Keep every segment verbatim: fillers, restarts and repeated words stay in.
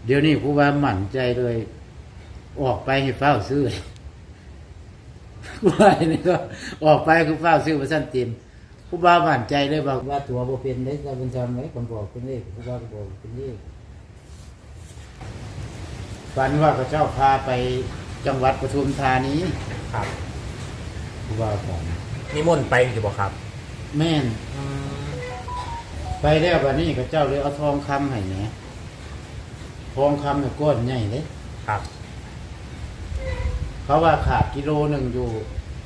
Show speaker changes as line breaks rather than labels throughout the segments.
เดี๋ยวนี้ครูบาหมั่นใจเลยออกไปให้เฝ้าซื้อครูบานี่ก็ออกไปคือเฝ้าซื้อมาสั้นเต็มครูบาหมั่นใจเลยบอกว่าตัวโบเป็นได้จะเป็นทำไหมคนบอกเป็นเลขครูบาบอกเป็นเลขฝันว่าพระเจ้าพาไปจังหวัดปทุมธานี
ครับ
ครูบาฝัน
นิมนต์ไปอยู่บ่ครับ
แม่นไปแล้ววันนี้พระเจ้าเลยเอาทองคำให้แหนทองคำเนี่ยก้อนใหญ่เลย
ครับ
เพราะว่าขาดกิโลหนึ่งอยู่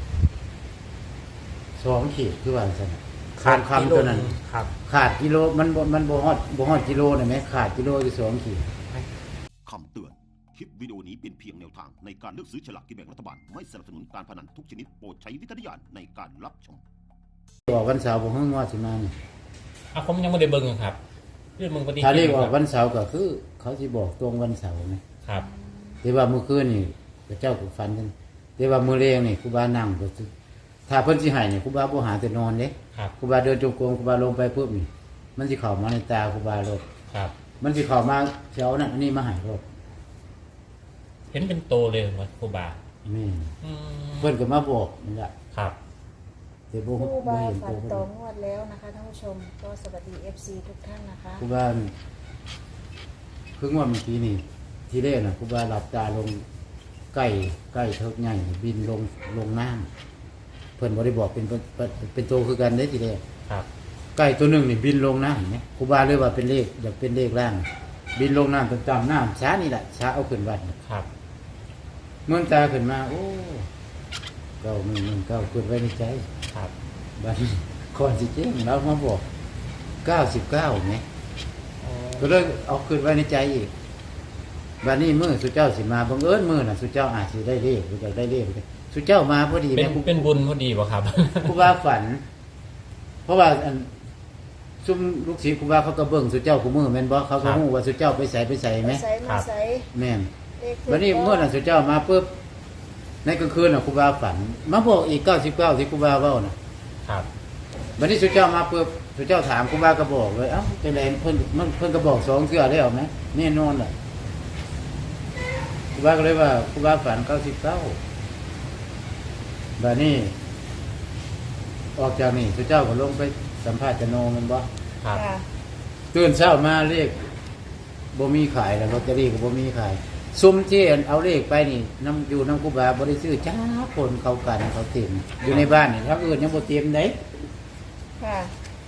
สองขีดคือว่าสันขาดคำตัวนั้น
ครับ
ขาดกิโลมันมันโบฮอดโบฮอดกิโลเห็นไหมขาดกิโลอยู่สองขีด
คำเตือนคลิปวิดีโอนี้เป็นเพียงแนวทางในการเลือกซื้อฉลากกินแบ่งรัฐบาลไม่สนับสนุนการพนันทุกชนิดโปรดใช้วิจารณญาณในการรับชม
ออกวันเสาร์ผมเพิ่งว่าสิมาเนี่ย
อ่ะผมยังไม่ได้เบิ่งครับเรื่องมึงปฏิ
ถ้าเรียกออกวันเสาร์ก็คือเขาจะบอกตรงวันเสาร์ไหม
ครับ
แต่ว่าเมื่อคืนนี่พระเจ้าก็ฝันกันแต่ว่ามื้อเลี้ยงนี่ครูบานั่งก็ถ้าเพิ่นสิให้นี่ครูบาบ่หาแต่นอนเด้ครูบาเดินจงกรมครูบาลงไปปุ๊บนี่มันสิเข้ามาในตาครูบาโลด
ครับ
มันสิเข้ามาเช้านั่นอันนี้มาให้โลด
เห็นเป็นโตเลยว่าครูบา
แม่เพิ่นก็มาบอกนี่ล่ะ
ครับ
แต่บ่
ครูบา
เห็น
ฝันต่องวดแล้วนะคะท่านผู้ชมก็สวัสดี เอฟ ซี ทุกท่านนะคะ
ครูบาเพิ่งว่าเมื่อกี้นี่ที่แรกน่ะครูบาหลับตาลงใกล้ใกล้เทิกใหญ่บินลงลงน้ำเพิ่นบ่ได้บอกเป็นเป็นเป็นตัวคือกันได้ทีแรก
ครับ
ใกล้ตัวหนึ่งนี่บินลงน้ำเนี่ยครูบาเลยว่าเป็นเลขอยากเป็นเลขล่างบินลงน้ำต่ำๆน้ำช้านี่แหละช้าเอาขึ้นวัด
ครับ
เมื่อตาขึ้นมาโอ้เก้าหนึ่งหนึ่งเก้าขึ้นไว้ในใจ
ครับ
บัดคอนสิเจ๊งเรามาบอกเก้าสิบเก้าไงก็เลยเอาขึ้นไว้ในใจอีกบัดนี้มือสุเจ้าสิมาบังเอิญมือน่ะสุเจ้าอาจจะได้เลขหรือจะได้เลขสุเจ้ามาพอดี
เป็นเป็นบุญพอดีป่ะครับ
ครูบาฝันเพราะว่าอันซุ่มลูกศิษย์ครูบาเขาก็เบิ่งสุเจ้าคู่มือแม่นบ่เขาก็ฮู้ว่าสุเจ้าไปใส่ไปใส่ไหม
ครับ
แม่นบัดนี้เมื่อน่ะสุเจ้ามาปุ๊บในกลางคืนน่ะครูบาฝันมาบอกอีกเก้าสิบเก้าที่ครูบาเว้าน่ะ
ครับ
บัดนี้สุเจ้ามาปุ๊บสุเจ้าถามครูบาก็บอกเลยเอ้าจังได๋เพิ่นมันเพิ่นก็บอกสองเทื่อแล้วมั้ยแน่นอนล่ะครูบาก็เลยว่าครูบาฝันเก้าสิบเก้าบัดนี้ออกจากนี่สุเจ้าก็ลงไปสัมภาษณ์จโนมันบ่
ครับ
ตื่นเช้ามาเลขบ่มีขายแล้วลอตเตอรี่ก็บ่มีขายซุ่มที่เอาเลขไปนี่น้ำอยู่น้ำครูบาบ่ได้ซื้อจ้าคนเขากันเขาเต็มอยู่ในบ้านนี่ถ้าอื่นยังบ่เต็มได้
ค่ะ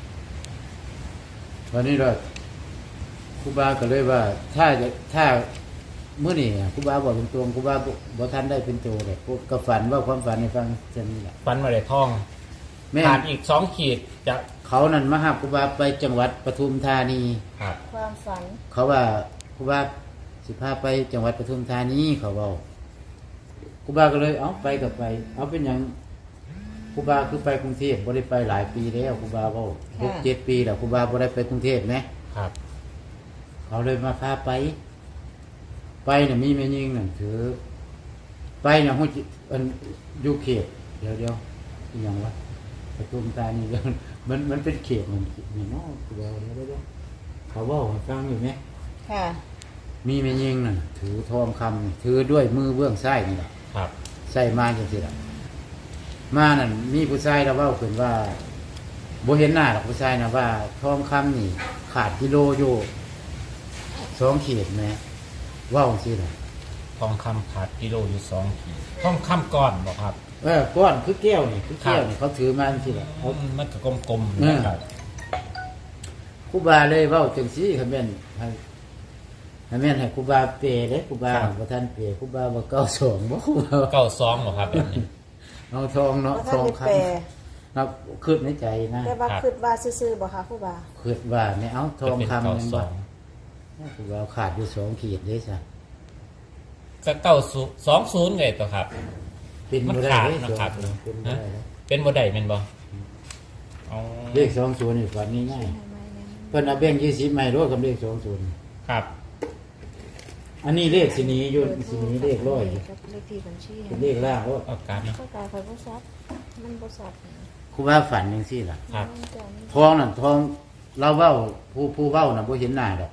วันนี้เราครูบาก็เลยว่าถ้าถ้าเมื่อนี่ครูบาบอกตรงๆครูบาบ่ทันได้เป็นโตเลยก็ฝันว่าความฝันให้ฟังเช่นนี้แหละ
ฝันมาได้ท่องขาดอีกสองขีดจะ
เขานั่นมาหาครูบาไปจังหวัดปทุมธานี
ครับ
ความฝัน
เขาว่าครูบาสิพาไปจังหวัดปทุมธานีเขาบอกครูบาก็เลยเอาไปกับไปเอาเป็นอย่างครูบาคือไปกรุงเทพบ่ได้ไปหลายปีแล้วครูบาบอกหกเจ็ดปีแล้วครูบาบ่ได้ไปกรุงเทพไหม
ครับ
เขาเลยมาพาไปไปเนี่ยมีแม่ยิงนั่นถือไปเนี่ยหุ่นอันอยู่เขตเดี๋ยวเดี๋ยวอย่างวะปทุมธานีมันมันเป็นเขตมันมีน้องครูบาเดี๋ยวเดี๋ยวเขาว่าฟังอยู่ไหม
ค่ะ
มีแม่ยิงนั่นถือทองคำถือด้วยมือเบื้องซ้ายนี่แหละ
ครับ
ใส่มาจังซี่ล่ะมานั่นมีผู้ชายเราเว้าขึ้นว่าบ่เห็นหน้าหรอกผู้ชายนะว่าทองคำนี่ขาดกิโลอยู่สองขีดแม่เว้าจังซี่ล่ะ
ทองคำขาดกิโลอยู่สองขีดทองคำก้อนบ่ครับ
เออก้อนคือแก้วนี่คือแก้วนี่เขาถือมาจังซี่ล่ะ
มันก็กลมๆนะครับ
ครูบาเลยเว้าจังซี่คันแม่นให้ให้แม่นให้ครูบาเปเด้ครูบาบ่ทันเปครูบาว่าเก้าสิบสองบ่ครูบา
เก้าสิบสองบ่ครับแบบนี้
เอาทองเนาะทองคำครับคิดในใจนะ
แต่ว่าคิดว่าซื่อๆบ่คะครูบา
คิดว่าไม่เอาทองคำนั่นบ่ครูบาขาดอยู่สองขีดเด้ซะ
ก็เก้าสองศูนย์ไงตัวครับ
เป็นบ่ได้นะครับ
เป็นบ่ได้แม่นบ่อ๋อ
เลขสองศูนย์นี่ฝันง่ายๆเพิ่นเอาแบงค์ยี่สิบใหม่รวดกับเลขสองศูนย์
ครับ
อันนี้เลขสินี้อยู่สินี้เลขร้อย
เลขที่บัญชี
เป็นเลขล่างว่า
เอาการนะ
ก็กลายเป็นบ่ซับมันบ่ซับ
ครูบาฝันจังซี่ล่ะ
ครับ
ทองนั่นทองเราเว้าผู้ผู้เว้าน่ะบ่เห็นหน้าดอก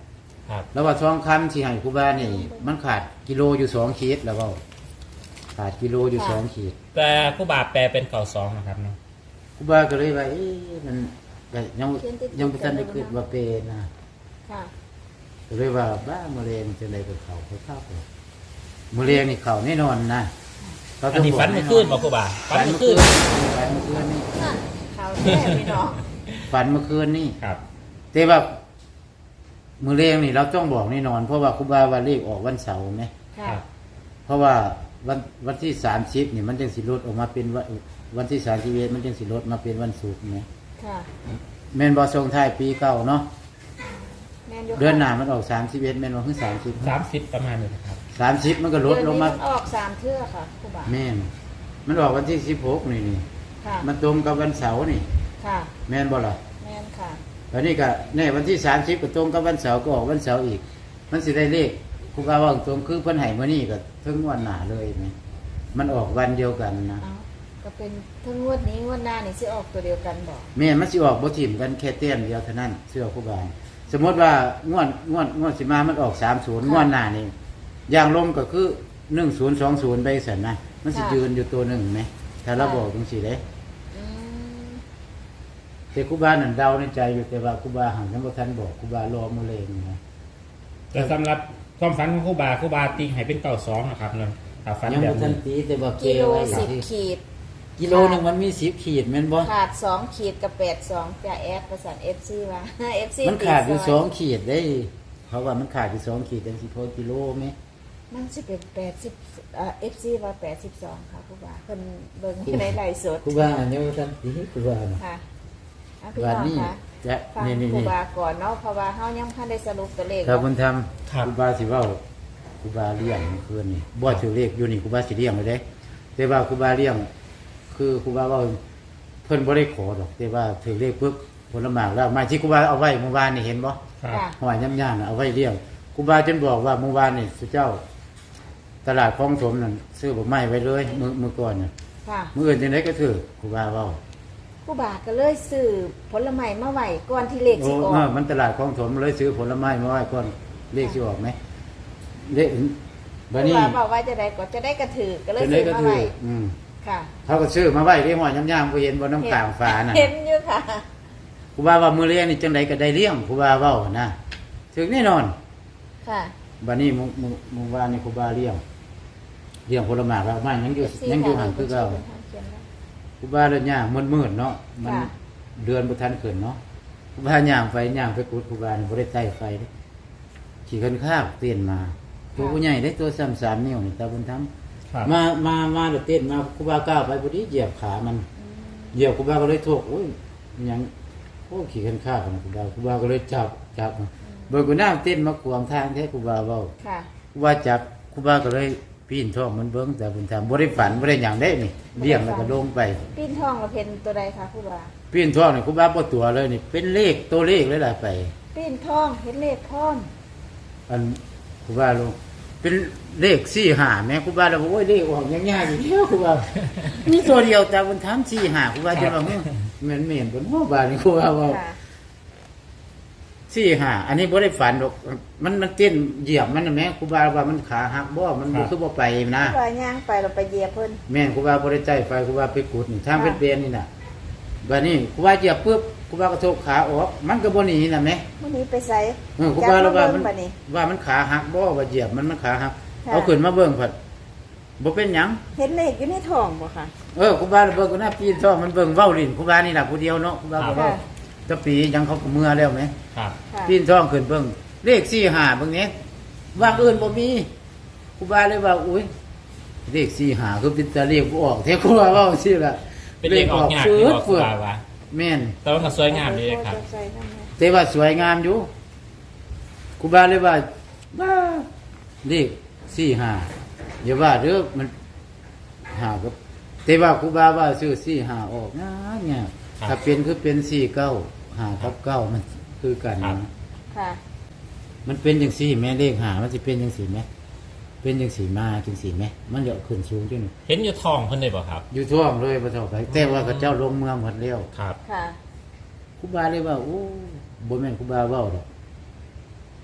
ครับ
แล้วว่าทองคำที่ให้ครูบานี่มันขาดกิโลอยู่สองขีดแล้วเว่าขาดกิโลอยู่สองขีด
แต่ครูบาแปลเป็นเก่าสองนะครับเนาะ
ครูบาก็เลยว่าเอ๊ะมันก็ยังยังบ่ทันได้คิดว่าเป็นนะ
ค่ะ
ก็เลยว่าบ้ามะเร็งจังได๋ก็เข้าเขาเข้าไปมะเร็งนี่เข้าแน่นอนนะเขา
อันนี้ฝันเมื่อคืนบ่ครูบาฝั
ฝั
น
น
เมื่
เมื่
อ
อ
คื
คื
น
นฝันเมื่อคืนนี่
น่ะเขาแท้พี่น้อง
ฝันเมื่อคืนนี่
ครับ
แต่ว่ามือเรียงนี่เราต้องบอกแน่นอน เพราะว่าครูบาว่าเลขออกวันเสาร์ไหม
ค
ค่ะ
รับ
เพราะว่าวันวันที่สามสิบนี่มันจึงสิลดออกมาเป็นวันวันที่สามสิบเอ็ดมันจึงสิลดมาเป็นวันศุกร์ไหม
ค่ะ
แม่นบอทรงท้ายปีเก่าเนาะ
แม่นอยู่ค่ะ
เดือนหน้ามันออกสามสิบเอ็ดแม่นว่าคือสามสิบ
สามสิบประมาณนี้นะครับ
สามสิบมันก็ลดลงมา
เดือนนี้นออกสามเทื่อค่ะครูบา
แม่นมันออกวันที่สิบหกนี่นี่
ค่ะ
มันตรงกับวันเสาร์นี่
ค่ะ
แม่นบ่ล่ะ
แม่นค่ะ
แล้วนี่ก็แน่วันที่สามสิบก็ตรงกับวันเสาร์ก็ออกวันเสาร์อีก มันสิได้เลขครูบาว่าตรงคือเพิ่นให้มื้อนี้ก็ถึงวันหน้าเลยไหมมันออกวันเดียวกันนะ
เอาก็เป็นทั้งงวดนี้งวดหน้านี่สิออกตัวเดียวกันบ่
แม่นมันสิออกบ่ถิ่มกันแค่เต้มเดียวเท่านั้นเสื้อครูบาสมมติว่างวดงวดงวดสิมามันออกสามสิบงวดหน้านี่อย่างลมก็คือหนึ่งศูนย์สองศูนย์ไปซั่นนะมันสิยืนอยู่ตัวหนึ่งไหมถ้าเราบอกจังซี่เด้
อืม
แต่ครูบานั่นเดาในใจอยู่แต่ว่าครูบาหันยังบ่ทันบอกครูบารอมื้อเลงนะ
แต่สำหรับความฝันของครูบาครูบาตีให้เป็นเก่าสองนะครับเนาะถ้าฝัน
ยัง
แบบ
บ่ทัน
นี้
ตีแต่ว่าเก
กิโล
ไว้
สิบ
ที่
ขีด
กิโลหนึงมันมีสิบขีดแม่นบ่
ขาดสองขีดกับแปดสองจะแอดประสานเอฟซีว่า เอฟซี
มันขาดอยู่สองขีดได้เพราะว่ามันขาดอยู่สองขีดจังสิพอกิโลไหม
มันสิเป็นแปดสิบเอ่อฟซีว่าแปดสิบสองค่ะครูบาเพิ่นเบิ่งอยู่ในไลฟ์สด
ครูบาอันยังบ่ทันตีครูบาน่ะ
ค่ะเอาพี่
วัน
น้อง
นี้
ค่ะ
จะ
ฟัง
นี่นี่
ครู
นี่
บาก่อนเนาะเพราะว่าเฮายังบ่ทันได้สรุปตัวเลข
ถ้าบุญธรรม
ครับ
ครูบาสิเว้าครูบาเลี้ยงเมื่อคืนนี่บ่ถือเลขอยู่นี่ครูบาสิเลี้ยงเลยเด้แต่ว่าครูบาเลี้ยง คือครูบาเว้าเพิ่นบ่ได้ขอดอก แต่ว่าถือเลขปุ๊บผลหมากแล้วไม้ที่ครูบาเอาไว้เมื่อวานนี่เห็นบ่
ครับ
ค่ะ
หอยย่ำๆน่ะเอาไว้เลี้ยงครูบาจนบอกว่าเมื่อวานนี่สุเจ้า ตลาดคลองถมนั่นซื้อบ่ไม้ไว้เลยมื้อมื้อก่อนน่ะ
ค่ะ
มื้ออื่นจังได๋ก็ถือครูบาเว้า
ครูบาก็เลยซื้อผลไม้มาไว้ก่อนที่เลข
โอ้
สิออก
เออมันตลาดคลองถมเลยซื้อผลไม้มาไว้ก่อนเลขสิออกไหมเลข
ค
บัด
รู
นี้
บาบอกว่าจะได้ก็จะได้กระถือก็เลย
จังได๋
ซื้อ
ก็
มา
ถือ
ไว้
อืม
ค่ะ
เขาก็ซื้อมาไว้ที่หอยย่ำๆบ่เห็นบ่น้ำกลางฟ้าน่ะ
เห็นอยู่ค่ะ
ครูบาว่ามื้อเลี้ยงนี่จังได๋ก็ได้เลี้ยงครูบาเว้านะถึงแน่นอน
ค่ะ
บัดนี้มื้อมื้อมื้อวานนี่ครูบาเลี้ยงเลี้ยงผลไม้แล้วมันยังอยู่ยังอยู่ห่างคือเก่าครูบาเลยย่างมืดๆเนาะมัน
ค่ะ
เดือนบ่ทันขึ้นเนาะครูบาย่างไปย่างไปกุดครูบานี่บ่ได้ใต้ไฟเด้ขี่คันข้าวเต้นมาตัวผู้ใหญ่ได้ตัวซ้ำสามนิ้วนี่ตาบุญธรรม
ครับ
มามามาเดี๋ยวเต้นมาครูบาก้าวไปพอดีเหยียบขามันเหยียบครูบาก็เลยโทษโอ้ยมันยังโอ้ขี่คันข้าวนะครูบาครูบาก็เลยจับจับมาเบิกกูน้าเต้นมาขวางทางแท้ครูบาเว้า
ค่ะ
ครูบาจับครูบาก็เลยปีนท้องมันเบิ้งแต่บุญธรรมบ่ได้ฝันบ่ได้หยังได้นี่เลี้ยงแล้วก็ลงไป
ปีนทองเราเพนตัวใดคะครูบา
ปีนท้องนี่ครูบาบ่ตัวเลยนี่เป็นเลขตัวเลขเลยล่ะไป
ปีนทองเห็นเลขพร้อม
อันครูบาลงเป็นเลขสี่ห้าแม่ครูบาเราบอกโอ้ยเลขออกยากๆอยู่แล้วครูบา มีตัวเดียวแต่บุญธรรมสี่ห้าครูบาจะว่าแม่แม่นแม่นบนหัวบานี่ครูบาว่า
ค่ะ
สี่ห้าอันนี้บ่ได้ฝันหรอกมันมันเต้นเหยียบมันน่ะแม่ครูบาว่ามันขาหักบ่มันบ่คือบ่ไปนะ
ครูบาย่างไปเราไปเหยียบเพิ่น
แม่นครูบาบ่ได้ใจไฟครูบาไปกุดนี่ทางเป็นเบนนี่น่ะบัดนี้ครูบาเหยียบปุ๊บครูบากระทบขาออกมันก็บ่หนีน่ะแม่
มื้อนี้ไปใส่
เออครูบาเราว่ามัน
บัดนี้
ว่ามันขาหักบ่ว่าเหยียบมันมันขาหัก
ค่ะ
เอาขึ้นมาเบิ่งผัดบ่เป็นหยัง
เห็นเลขอยู่ในท้องบ่ค่ะ
เออครูบาเบิ่งก็น่าปีนท้องมันเบิ่งเว้าลิ้นครูบานี่ล่ะผู้เดียวเนาะครูบาก็เว้า
ค่ะ
แตะปียังเขาก็เมื่อแล้วไหม
ครับ
ค่ะ
ปีนท้องขึ้นเบิ่งเลขสี่ห้าเบิ่งนี้ว่างอื่นบ่มีครูบาเลยว่าอุ้ยเลขสี่ห้าคือเป็นตาเลขบ่ออกแท้ครูบาเว้าซี่ล่ะ
เป็นเลขออกยาก
เฟื
ที่
ด
บอกครู
เฟืด
บาว่า
แม่น
แต่ว่าก็สวยงามดีเลยครับ
ใส่ทำไม
แต่ว่าสวยงามอยู่ครูบาเลยว่าบ้าเลขสี่ห้าอย่าว่าเด้อมันหากับแต่ว่าครูบาว่าซื้อสี่ห้าออกนะเนี่ย
ครับ
ถ้าเป็นคือเป็นสี่เก้าหากับเก้ามันคือกัน
ครับ
นะ
ค่ะ
มันเป็นจังสี่แม่เลขหามันจะเป็นจังสี่ไหมเป็นจังสี่มาจังสี่ไหมมันจะขึ้นสูงจังนี่
เห็นอยู่ท้องเพิ่นได้บ่ครับ
อยู่ท่วมเลยพระเจ้าไปแต่ว่าพระเจ้าลงเมืองหมดแล้ว
ครับ
ค่ะ
ครูบาเลยว่าโอ้บ่แม่นครูบาเว้าดอก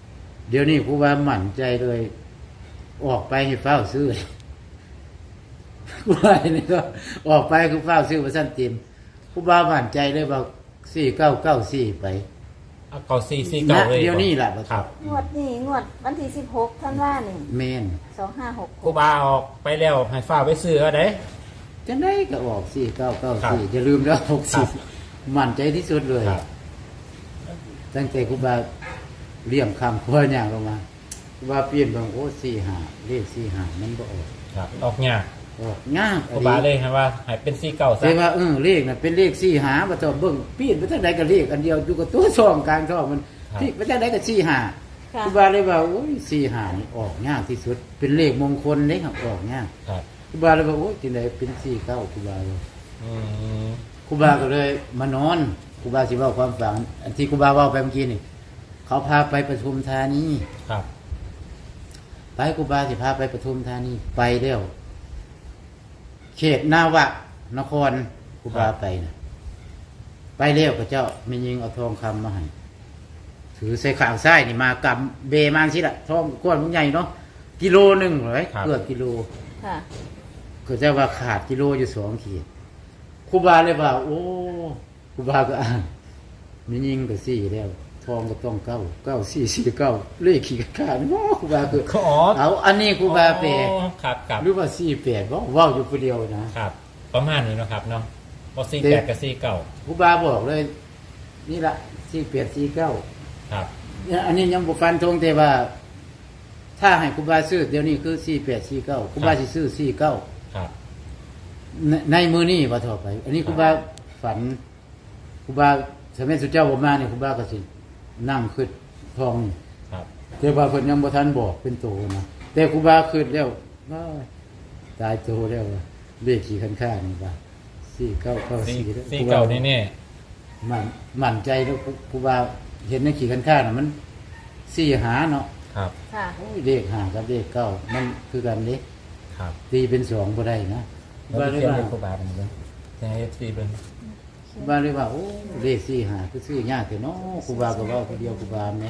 เดี๋ยวนี้ครูบาหมั่นใจเลย ออกไปให้เฝ้าซื้อครูบานี่ก็ออกไปคือเฝ้าซื้อมาสั้นเต็มครูบาหมั่นใจเลยว่าสี่เก้าเก้าสี่ไป
เอาเก่าสี่สี่เก่าเลย
เดี๋ยวนี้แหละ
ครับ
งวดนี้งวดวันที่สิบหกท่านว่านี่
เมน
สองห้าหก
ครูบาออกไปแล้วให้ฝ้าไปซื้อเอาได้
จะได้ก็ออกสี่เก้าเก้า
ครับ
สี่อย่าลืมแล้วหก
ครั
สี่
บ
หมั่นใจที่สุดเลย
ครับ
ตั้งแต่ครูบาเลี่ยมคำครัวอย่างลงมาครูบาเปลี่ยนบางโอ้สี่หาเลขสี่หามันก็ออก
ครับออกยาก
ออกง่าย
ครูบาเลยให้ว่าให้เป็นสี่เก่าซะ
แต่ว่าเออเลขน่ะเป็นเลขสี่หาบ่ต้องเบิ่งเปลี่ยนไปทางใดก็เลขอันเดียวอยู่กับตัวซองกลางซองมันที่ไปทางใดก็สี่หา
ค่ะ
ครูบาเลยว่าโอ้ยสี่หานี่ออกยากที่สุด เป็นเลขมงคลเลยครับออกยาก
ครับ
ครูบาเลยว่าโอ้ยที่ไหนเป็นสี่เก้าครูบาเลย
อืม
ครูบาก็เลยมานอนครูบาสิเว้าความฝันอันที่ครูบาเว้าไปเมื่อกี้นี่เขาพาไปปทุมธานี
ครับ
ไปครูบาสิพาไปปทุมธานีไปแล้วเขตนาวะนครครูบาไปนะไปแล้วพระเจ้ามียิงเอาทองคำมาให้ถือใส่ข่าวไส้นี่มากำเบมาสิละทองก้อนมันใหญ่เนาะกิโลหนึ่งเลยเกือบกิโล
ค่ะ
ก็จะว่าขาดกิโลอยู่สองขีดครูบาเลยว่า โอ้ครูบาก็อ่านมียิงก็สี่แล้วทองก็ต้องเก้าเก้าสี่สี่เก้าเลขขี่ขาดโอ้ครูบาคือ
อ๋อ
เอาอันนี้ครูบาแปล
อ๋อครับครับ
หรือว่าสี่แปดว่าว่าอยู่คนเดียวนะครับ
ประมาณนี้เนาะครับเนาะพอสี่แปดกับสี่เก่า
ครูบาบอกเลย นี่ละสี่แปดสี่เก้า
ครับ
เนี่ยอันนี้ยังบุฟันธงแต่ว่า ถ้าให้ครูบาซื้อเดี๋ยวนี้คือสี่แปดสี่เก้าครูบาสิซื้อสี่เก้า
ครับ
ในในมือนี่ว่าต่อไป อันนี้ครูบาฝันครูบาสมัยสุเจ้าบ่มาเนี่ยครูบาก็สินั่งขึ้นทองนี่
ครับ
แต่ว่าเพิ่นยังบ่ทันบอกเป็นโตนะแต่ครูบาขึ้นแล้วว้ายตายโตแล้วว่ะเลขขี่คันข้างนี่ว่าสี่เก้าเก้า
สี่
สี่แล้ว
สี่
ครูบ
เก่าแน่
มันมั่นใจแล้วครูบาเห็นในขี่คันข้างน่ะมันสี่หาเนาะ
ๆครับ
ค่ะ
โอ้ยเลขห้ากับเลขเก้ามันคือกันเด้
ครับ
ตีเป็นสองบ่ได้นะครู
แล้ว
บาเลย
เขียน
ว่า
เป็นครูบาเป็นยังไงจะให้เอฟซีเป็น
ครูบาเลยว่าโอ้เลขสี่หาคือซื้อยากแต่เนาะครูบาก็เว้าคนเดียวครูบาแหม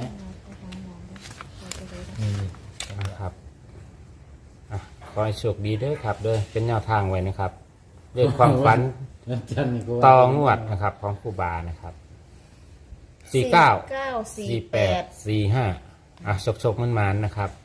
นี่นะครับอ่ะขอให้โชคดีเด้อครับเด้อเป็นแนวทางไว้นะครับเรื่องความฝัน
อาจารย์นี่ก็ว่า
ตองวดนะครับ ของครูบานะครับสี่เก้า
เก้าสี่
สี่
แป
แปด
ด
สี่ห้าอ่ะชกชกมันมันๆนะครับ